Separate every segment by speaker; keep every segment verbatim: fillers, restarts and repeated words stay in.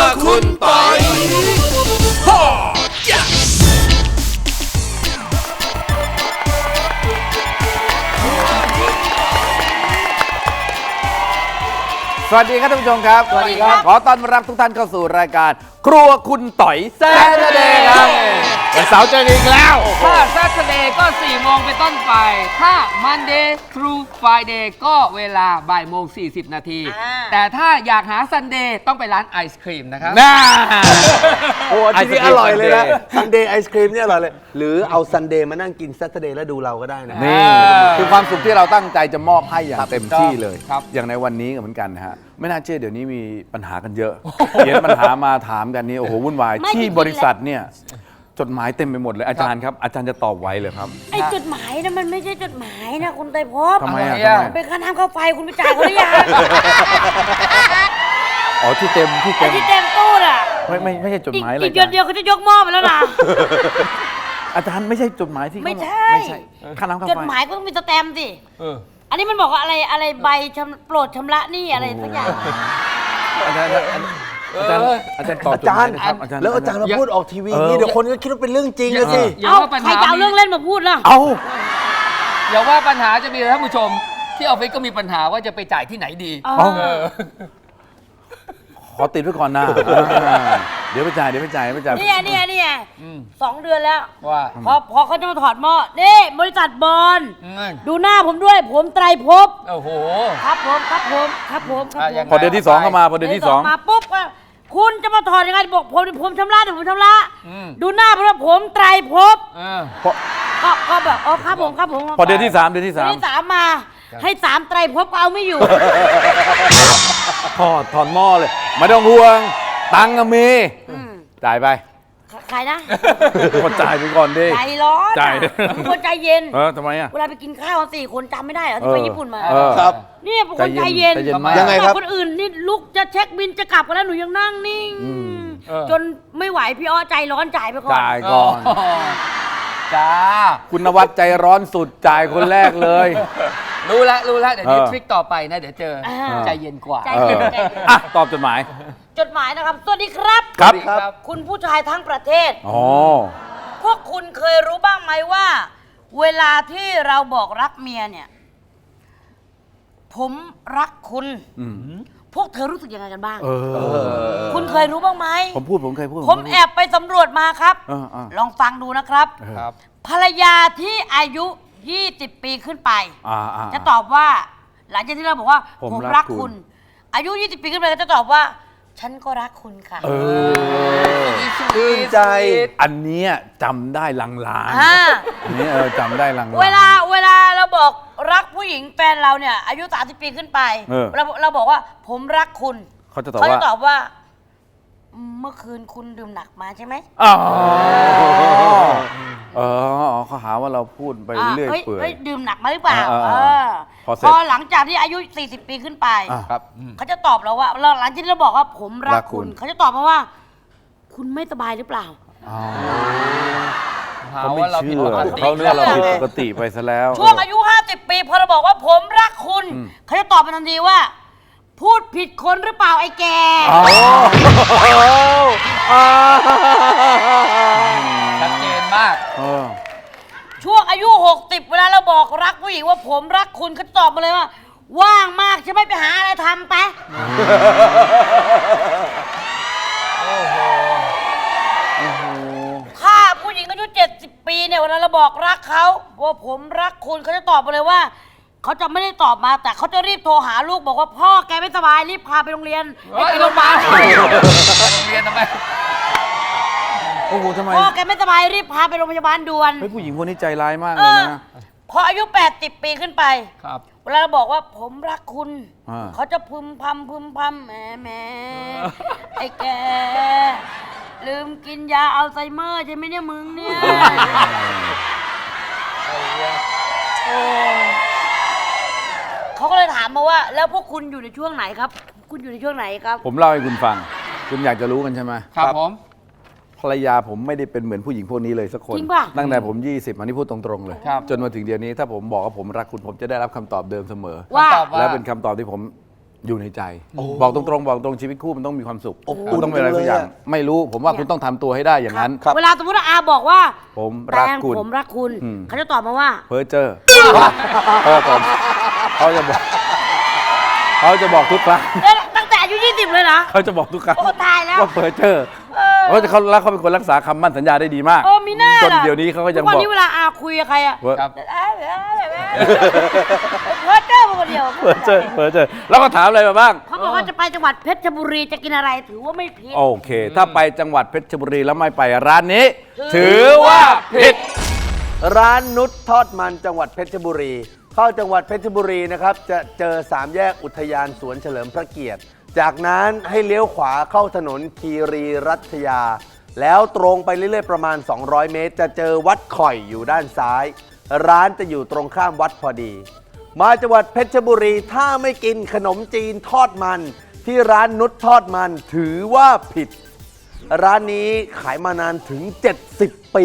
Speaker 1: คุณปอย
Speaker 2: สวัสดีครับท่านผู้ชมครับสวัสดีครับขอต้อนรับทุกท่านเข้าสู่รายการครัวคุณต่อยแซ่บเดย์ครับวันเสาร์เจอกันอีกแล้ว
Speaker 3: ถ้า Saturday ก็สี่โมงเป็นต้นไปถ้า Monday through Friday ก็เวลาบ่ายโมงสี่สิบนาทีแต่ถ้าอยากหา Sunday ต้องไปร้านไอศครีมนะครับ
Speaker 2: น่า
Speaker 1: โอ้ที่นี่อร่อยเลยนะซันเดย์ไอศครีมเนี่ยอร่อยเลยหรือเอาซันเดย์มานั่งกิน Saturday แล้วดูเราก็ได้นะ
Speaker 2: นี่คือความสุขที่เราตั้งใจจะมอบให้อย่างเต็มที่เลยอย่างในวันนี้ก็เหมือนกันนะฮะไม่น่าเชื่อเดี๋ยวนี้มีปัญหากันเยอะเขียนปัญหามาถามกันนี่โอ้โหวุ่นวายที่บริษัทเนี่ยจดหมายเต็มไปหมดเลยอาจารย์ครับอาจารย์จะตอบไว้เลยครับ
Speaker 4: ไอ้จดหมายนะมันไม่ใช่จดหมายนะคุณไตรภพ
Speaker 2: ทำไมอ่ะ
Speaker 4: เป็นค่าน้ำค่าไฟคุณไปจ่ายเขาหรือยัง
Speaker 2: อ๋อที่เต็มที่เต็ม
Speaker 4: ที่เต็มตู้น่ะ
Speaker 2: ไม่ไม่ไม่ใช่จดหมายอะไร
Speaker 4: อีกเดือนเดียวเขาจะยกหม้อไปแล้วนะ
Speaker 2: อาจารย์ไม่ใช่จดหมายที่
Speaker 4: ไม่ใช่
Speaker 2: ไม่ใช่ค่าน้ำค่าไฟ
Speaker 4: จดหมายก็ต้องมีสแตมป์สิอันนี้มันบอกว่าอะไรอะไรใบชำโปรดชำระหนี้อะไรสักอย่าง
Speaker 2: อาจารย์อาจารย์อาจารย์ตอบ
Speaker 1: อาจารย์แล้วอาจารย์มาพูดออกทีวีนี่เดี๋ยวคนก็คิดว่าเป็นเรื่องจริงเลยสิ
Speaker 4: เอาใครจะเอาเรื่องเล่นมาพูดล่ะ
Speaker 2: เอา
Speaker 3: อย่าว่าปัญหาจะมีท่านผู้ชมที่ออฟฟิศก็มีปัญหาว่าจะไปจ่ายที่ไหนดี
Speaker 2: ขอติดไว้ก่อนนะเดี๋ยวไปจ่ายเดี๋ยวไปจ่ายไปจ่าย
Speaker 4: นี่นี่นี่สองเดือนแล้ว
Speaker 3: ว่า
Speaker 4: พอพอเขาจะมาถอดหม้อนี่บริษัทบอลดูหน้าผมด้วยผมไตรภพ
Speaker 3: โอ้โห
Speaker 4: ครับผมครับผมครับผมครับผม
Speaker 2: พอเดือนที่สองเข้ามาพอเดือนที่สอง
Speaker 4: มาปุ๊บคุณจะมาถอดยังไงบอกผมผมชำระเดี๋ยวผมชำระดูหน้าผมว่าผมไตรภพก็ก็แบบอ๋อครับผมครับผม
Speaker 2: พอเดือนที่สามเดือนที่สาม
Speaker 4: เดือนที่สามมาให้สามไตรภพก็เอาไม่อยู่
Speaker 2: ถอดถอดหม้อเลยไม่ต้องห่วงตังค์มีจ่ายไป
Speaker 4: ใครนะ
Speaker 2: คนจ่ายไปก่อนดิ
Speaker 4: ใจร้อน
Speaker 2: จ่าย
Speaker 4: คนใจเย็น
Speaker 2: เออทำไมอ่ะ
Speaker 4: เวลาไปกินข้าวสี่คนจำไม่ได้เหรอที่ไปญี่ปุ่นมา
Speaker 1: ครับ
Speaker 4: นี่เป็นคนใจเย็น
Speaker 1: ยังไงครับ
Speaker 4: คนอื่นนี่ลุกจะเช็คบินจะกลับกันแล้วหนูยังนั่งนิ่งจนไม่ไหวพี่อ้อใจร้อนจ่ายไปก่อน
Speaker 2: จ่ายก่อน
Speaker 3: จ้า
Speaker 2: คุณนวัดใจร้อนสุดจ่ายคนแรกเลย
Speaker 3: รู้แล้วรู้แล้วเดี๋ยวนี้ทริคต่อไปนะเดี๋ยวเจอใจเย็นกว่า
Speaker 4: ใจเย็น
Speaker 2: อ่ะตอบจดหมาย
Speaker 4: จดหมายนะครับสวัสดีครับ
Speaker 2: ครับ
Speaker 4: คุณผู้ชายทั้งประเทศ
Speaker 2: อ๋อ
Speaker 4: พวกคุณเคยรู้บ้างไหมว่าเวลาที่เราบอกรักเมียเนี่ยผมรักคุณพวกเธอรู้สึกยังไงกันบ้างคุณเคยรู้บ้างไหม
Speaker 2: ผมพูดผมเคยพูด
Speaker 4: ผมแอบไปสำรวจมาครับลองฟังดูนะครับภรรยาที่อายุยี่สิบปีขึ้นไปจะตอบว่าหลังจากที่เราบอกว่าผมรักคุณอายุยี่สิบปีขึ้นไปก็จะตอบว่าฉันก็รักคุณค่ะ
Speaker 1: ชื่นใจ
Speaker 2: อันนี้จำได้ลางๆอันนี้เออจำได้ลางๆ
Speaker 4: เวลาเวลาเราบอกรักผู้หญิงแฟนเราเนี่ยอายุสามสิบปีขึ้นไปเราเราบอกว่าผมรักคุณ
Speaker 2: เขาจะตอบว่า
Speaker 4: เขาจะตอบว่าเมื่อคืนคุณดื่มหนักมาใช่ไหม
Speaker 2: อ๋อเออเขาหาว่าเราพูดไปเรื่อยเปื่อย
Speaker 4: ดื่มหนักมาหรือเปล่าพอหลังจากที่อายุสี่สิบปีขึ้นไปเขาจะตอบเราว่าหลังจากที่เราบอกว่าผมรักคุณเขาจะตอบมาว่าคุณไม่สบายหรือเปล่า
Speaker 2: เขาไม่เชื่อเขาเรื่องเราผิดปกติไปซะแล้ว
Speaker 4: ช่วงอายุห้าสิบปีพอเราบอกว่าผมรักคุณเขาจะตอบมาทันทีว่าพูดผิดคนหรือเปล่าไอ้แก
Speaker 3: ชัดเจนมาก
Speaker 4: ช่วงอายุหกสิบเวลาเราบอกรักผู้หญิงว่าผมรักคุณเขาตอบมาเลยว่าว่างมากใช่ไหมไปหาอะไรทำไปถ้าผู้หญิงอายุเจ็ดสิบปีเนี่ยเวลาเราบอกรักเขาว่าผมรักคุณเขาจะตอบมาเลยว่าเขาจะไม่ได้ตอบมาแต่เขาจะรีบโทรหาลูกบอกว่าพ่อแกไม่สบายรีบพาไปโรงเรียน
Speaker 3: ไปโรงพยาบาลโรงเรียนทำไม
Speaker 2: โอ้โหทำไม
Speaker 4: พ่อแกไม่สบายรีบพาไปโรงพยาบาลด่วน
Speaker 2: เฮ้ยผู้หญิงคนนี้ใจร้ายมากเลยนะ
Speaker 4: พออายุแปดสิบปีขึ้นไปเวลาเราบอกว่าผมรักคุณเขาจะพึมพำพึมพำแหมแหมไอ้แกลืมกินยาอัลไซเมอร์ใช่ไหมเนี่ยมึงเนี่ยเขาก็เลยถามมาว่าแล้วพวกคุณอยู่ในช่วงไหนครับคุณอยู่ในช่วงไหนครับ
Speaker 2: ผมเล่าให้คุณฟังคุณอยากจะรู้กันใช่ไหม
Speaker 3: ครับผม
Speaker 2: ภรรยาผมไม่ได้เป็นเหมือนผู้หญิงพวกนี้เลยสักคนตั้งแต่ผมยี่สิบอันนี้พูดตรงๆเลยจนมาถึงเดี๋ยวนี้ถ้าผมบอกว่าผมรักคุณผมจะได้รับคำตอบเดิมเสมอ
Speaker 4: ว่า
Speaker 2: และเป็นคำตอบที่ผมอยู่ในใจ บอกตรงๆบอกตรงชีวิตคู่มันต้องมีความสุขคุณต้องเป็นอะไรสักอย่างไม่รู้ผมว่าคุณต้องทำตัวให้ได้อย่างนั้น
Speaker 4: เวลาสมมติว่าอาบอกว่า
Speaker 2: ผมรัก
Speaker 4: แตง
Speaker 2: คุณ
Speaker 4: ผมรักคุณ
Speaker 2: อืม
Speaker 4: เขาจะตอบมาว่า
Speaker 2: เพอเจอร์พ่อผมเขาจะบอกเขาจะบอกทุกครั้ง
Speaker 4: เอ๊ะตั้งแต่อายุยี่สิบเลยเหรอ
Speaker 2: เขาจะบอกทุกครั้ง
Speaker 4: โอ้ตายแล้ว
Speaker 2: ว่าเพอเจอร์เพราะเขาแล้วเขาเป็นคนรักษาคำมั่นสัญญาได้ดีมาก
Speaker 4: เออมีหน้า
Speaker 2: จน
Speaker 4: ล่ะ
Speaker 2: เดี๋ยวนี้เขาก็ยัง
Speaker 4: ทุกวัน
Speaker 2: บอก
Speaker 4: นี้เวลาอาคุยกับใครอะ
Speaker 2: ว่า
Speaker 3: ครับ
Speaker 4: เอ้ยเอ้ยเอ้ยเอ้ยเพ้อเจ้อมาคนเดียว
Speaker 2: เพอเจอร์เพอเจอร์แล้วก็ถามอะไรมาบ้าง
Speaker 4: เขาบอกว่าจะไปจังหวัดเพชรบุรีจะกินอะไรถือว่าไม่ผิด
Speaker 2: โอเค ถ้าไปจังหวัดเพชรบุรีแล้วไม่ไปร้านนี้ ถือว่าผิด
Speaker 1: ร้านนุชทอดมันจังหวัดเพชรบุรี เข้าจังหวัดเพชรบุรีนะครับจะเจอสามแยกอุทยานสวนเฉลิมพระเกียรติ จากนั้นให้เลี้ยวขวาเข้าถนนคีรีรัตยา แล้วตรงไปเรื่อยๆประมาณ สองร้อย เมตร จะเจอวัดข่อยอยู่ด้านซ้าย ร้านจะอยู่ตรงข้ามวัดพอดี มาจังหวัดเพชรบุรีถ้าไม่กินขนมจีนทอดมัน ที่ร้านนุชทอดมันถือว่าผิด ร้านนี้ขายมานานถึง เจ็ดสิบ ปี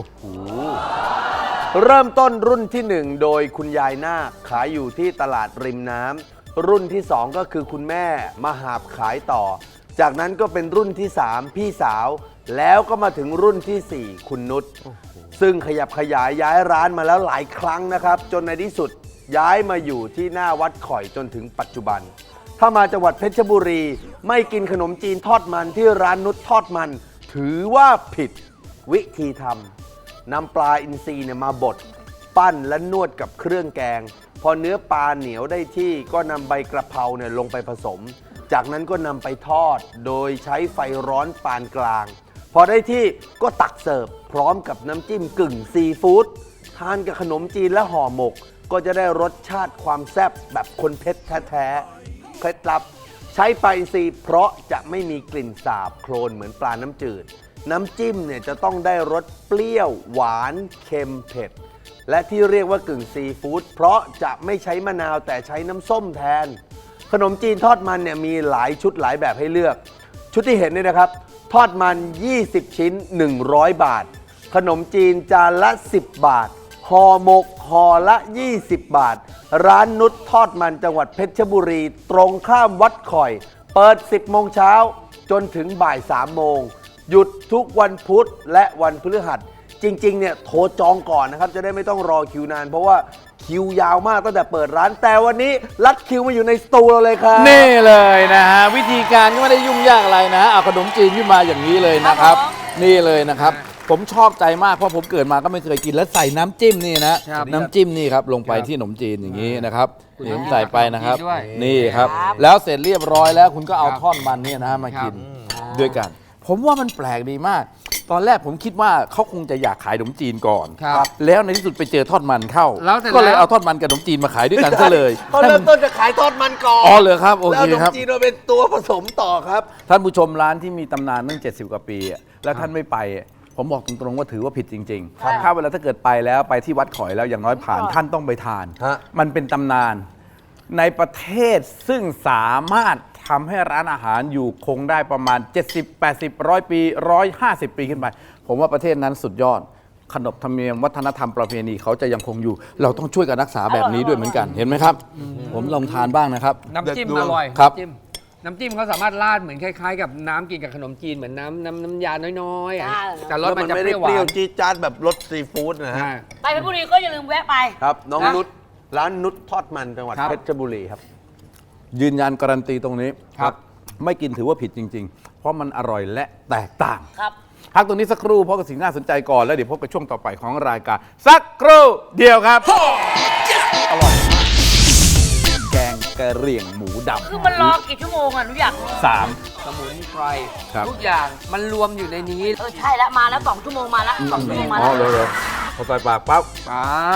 Speaker 1: เริ่มต้นรุ่นที่หนึ่งโดยคุณยายนาคขายอยู่ที่ตลาดริมน้ำรุ่นที่สองก็คือคุณแม่มาหาบขายต่อ จากนั้นก็เป็นรุ่นที่สามพี่สาว แล้วก็มาถึงรุ่นที่สี่คุณนุชซึ่งขยับขยายย้ายร้านมาแล้วหลายครั้งนะครับ จนในที่สุดย้ายมาอยู่ที่หน้าวัดข่อยจนถึงปัจจุบัน ถ้ามาจังหวัดเพชรบุรีไม่กินขนมจีนทอดมันที่ร้านนุชทอดมัน ถือว่าผิดวิธีทำนำปลาอินทรีเนี่ยมาบดปั้นและนวดกับเครื่องแกง พอเนื้อปลาเหนียวได้ที่ก็นำใบกระเพราเนี่ยลงไปผสม จากนั้นก็นำไปทอดโดยใช้ไฟร้อนปานกลาง พอได้ที่ก็ตักเสิร์ฟพร้อมกับน้ำจิ้มกึ่งซีฟู้ดทานกับขนมจีนและห่อหมก ก็จะได้รสชาติความแซ่บแบบคนเพชรแท้ๆเคล็ดลับใช้ปลาอินทรีเพราะจะไม่มีกลิ่นสาบโคลนเหมือนปลาน้ำจืด น้ำจิ้มเนี่ยจะต้องได้รสเปรี้ยวหวานเค็มเผ็ด และที่เรียกว่ากึ่งซีฟู้ดเพราะจะไม่ใช้มะนาวแต่ใช้น้ำส้มแทน ขนมจีนทอดมันเนี่ยมีหลายชุดหลายแบบให้เลือก ชุดที่เห็นเนี่ยนะครับ ทอดมัน ยี่สิบ ชิ้น หนึ่งร้อย บาท ขนมจีนจานละ สิบ บาทห่อหมกห่อละ ยี่สิบ บาท ร้านนุชทอดมันจังหวัดเพชรบุรี ตรงข้ามวัดข่อย เปิด สิบ โมงเช้าจนถึงบ่าย สาม โมง หยุดทุกวันพุธและวันพฤหัส จริงๆเนี่ยโทรจองก่อนนะครับ จะได้ไม่ต้องรอคิวนาน เพราะว่าคิวยาวมากตั้งแต่เปิดร้าน แต่วันนี้รัดคิวมาอยู่ในสตูเราเลยครับ
Speaker 2: นี่เลยนะฮะวิธีการก็ไม่ได้ยุ่งยากอะไรนะฮะเอาขนมจีนขึ้นมาอย่างนี้เลยนะครับ นี่เลยนะครับ ผมชอบใจมากเพราะผมเกิดมาก็ไม่เคยกินแล้วใส่น้ำจิ้มนี่นะครับ น้ำจิ้มนี่ครับลงไปที่ขนมจีนอย่างนี้นะครับนี่ผมใส่ไปนะครับ
Speaker 3: ด้วย
Speaker 2: นี่ครับ แล้วเสร็จเรียบร้อยแล้วคุณก็เอาท่อนมันเนี่ยนะฮะมากิน
Speaker 3: ครับ
Speaker 2: ด้วยกัน ผมว่ามันแปลกดีมาก ตอนแรกผมคิดว่าเขาคงจะอยากขายขนมจีนก่อน
Speaker 3: ครับ
Speaker 2: แล้วในที่สุดไปเจอทอดมันเข้า
Speaker 3: แล้วเสร็จ
Speaker 2: ก็เลย
Speaker 3: แล้ว
Speaker 2: เอาทอดมันกับขนมจีนมาขายด้วยกันซะเลย
Speaker 1: เขาเริ่มต้นจะขายทอดมันก่อน
Speaker 2: อ๋อเหรอครับโอ
Speaker 1: แล้ว
Speaker 2: เค
Speaker 1: ขนม
Speaker 2: ครับ
Speaker 1: จีนมาเป็นตัวผสมต่อครับ
Speaker 2: ท่านผู้ชมร้านที่มีตำนานตั้งเจ็ดสิบกว่าปีอะแล้วท่านไม่ไปอะผมบอกตรงๆว่าถือว่าผิดจริงๆถ้าเวลาถ้าเกิดไปแล้วไปที่วัดข่อยแล้วอย่างน้อยผ่านท่านต้องไปทาน
Speaker 1: ฮะ
Speaker 2: มันเป็นตำนานในประเทศซึ่งสามารถทำให้ร้านอาหารอยู่คงได้ประมาณ เจ็ดสิบ แปดสิบ ร้อย ปี หนึ่งร้อยห้าสิบ ปีขึ้นไป ผมว่าประเทศนั้นสุดยอด ขนบธรรมเนียมวัฒนธรรมประเพณีเขาจะยังคงอยู่ เราต้องช่วยกันรักษาแบบนี้ด้วยเหมือนกันเห็นไหมครับ ผมลองทานบ้างนะครับ
Speaker 3: น้ำจิ้ม
Speaker 1: เด็ดดว
Speaker 3: อง ร่อย
Speaker 2: ครับ
Speaker 3: น้ำจิ้มน้ำจิ้มเขาสามารถราดเหมือนคล้ายๆ กับน้ำกินกับขนมจีนเหมือนน้ำน้ำน้ำยาน้อยๆอะ
Speaker 4: ใช่
Speaker 3: แต่รส
Speaker 1: แล้ว
Speaker 3: มั
Speaker 1: มัน น
Speaker 3: จะ
Speaker 1: ไม่
Speaker 3: เป
Speaker 1: ได้
Speaker 3: รี้ยวห
Speaker 1: เปรี้ยว
Speaker 3: วาน
Speaker 1: จี๊ดจ๊าดแบบรสซีฟู้ดนะฮะ
Speaker 3: ใช่
Speaker 4: ไปเพชรบุรีก็อย่าลืมแวะไป
Speaker 1: ครับ น้อง
Speaker 3: นะ
Speaker 1: นุชร้านนุชทอดมันจังหวัด
Speaker 3: ครับ
Speaker 1: เพชรบุรีครับ
Speaker 2: ยืนยันการันตีตรงนี้
Speaker 3: ครับ
Speaker 2: ไม่กินถือว่าผิดจริง ๆ เพราะมันอร่อยและแตกต่าง
Speaker 4: ครับ
Speaker 2: พักตรงนี้สักครู่เพราะกับสิ่งน่าสนใจก่อนแล้วเดี๋ยวพบกับช่วงต่อไปของรายการสักครู่เดียวครับอร่อยมากแกงกะเหรี่ยงหมูดำ
Speaker 4: คือมันรอกี่ชั่วโมงอ่ะหนูอยากรู้
Speaker 2: สาม
Speaker 3: สมุนไพร
Speaker 2: ครับ
Speaker 3: ทุกอย่างมันรวมอยู่ในนี้
Speaker 4: เออใช่แล้วมาแล้วสองชั่วโมงมาแล้วสองชั่วโมงมา
Speaker 2: อ๋
Speaker 4: แล้
Speaker 2: อ
Speaker 4: ว
Speaker 2: เลยเลยพอใส่ปากปั๊บ
Speaker 3: ครับ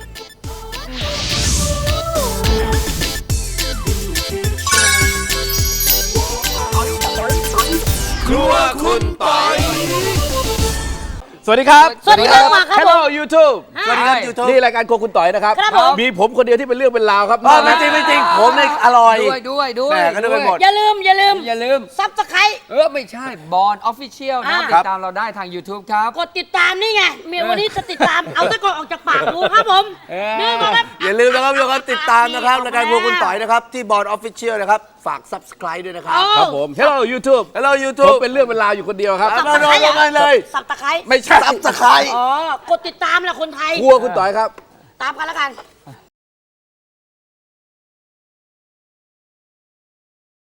Speaker 2: ครัวคุณปอยสวัสดีครับ
Speaker 4: สวัสดีครับมาครับผม
Speaker 2: Hello YouTube
Speaker 1: สวัสดีครับ YouTube
Speaker 2: นี่รายการครัวคุณต่อยนะครับ
Speaker 4: ครับผม
Speaker 2: มีผมคนเดียวที่เป็นเรื่องเป็นราวครับ
Speaker 1: อ๋อไม่จริงไม่จริงผมเนี่ยอร่อย
Speaker 3: ด้วยด้วยด้วย
Speaker 1: แหม่ก็นึกไปหมด
Speaker 4: อย่าลืมอย่าลืม
Speaker 3: อย่าลืม
Speaker 4: ซับสไครต์
Speaker 3: เออ ไม่ใช่บอลออฟฟิเชียลนะ
Speaker 4: อ่า
Speaker 3: ติดตามเราได้ทาง YouTube ครับ
Speaker 4: กดติดตามนี่ไงเมียวันนี้จะติดตาม เอาตะกอนออกจากปากดูครับผม
Speaker 3: เออ
Speaker 4: นี่มาครับ
Speaker 1: อย่าลืมนะครับทุกคนติดตามนะครับรายการครัวคุณต่อยนะครับ ที่บอร์ดออฟฟิเชียลนะครับฝาก subscribe ด้วยนะครับ
Speaker 2: ครับผม Hello YouTube
Speaker 1: Hello
Speaker 2: ผม
Speaker 1: YouTube
Speaker 2: เป็นเรื่องเป็นราวอยู่คนเดียวครับ
Speaker 1: มาลงมาเลย
Speaker 4: สับตะไคร้
Speaker 2: ไม่ใช่
Speaker 1: subscribe
Speaker 4: อ๋อกดติดตามแหละคนไทย
Speaker 2: กลัวคุณต่อยครับ
Speaker 4: ตามกันแล้วกัน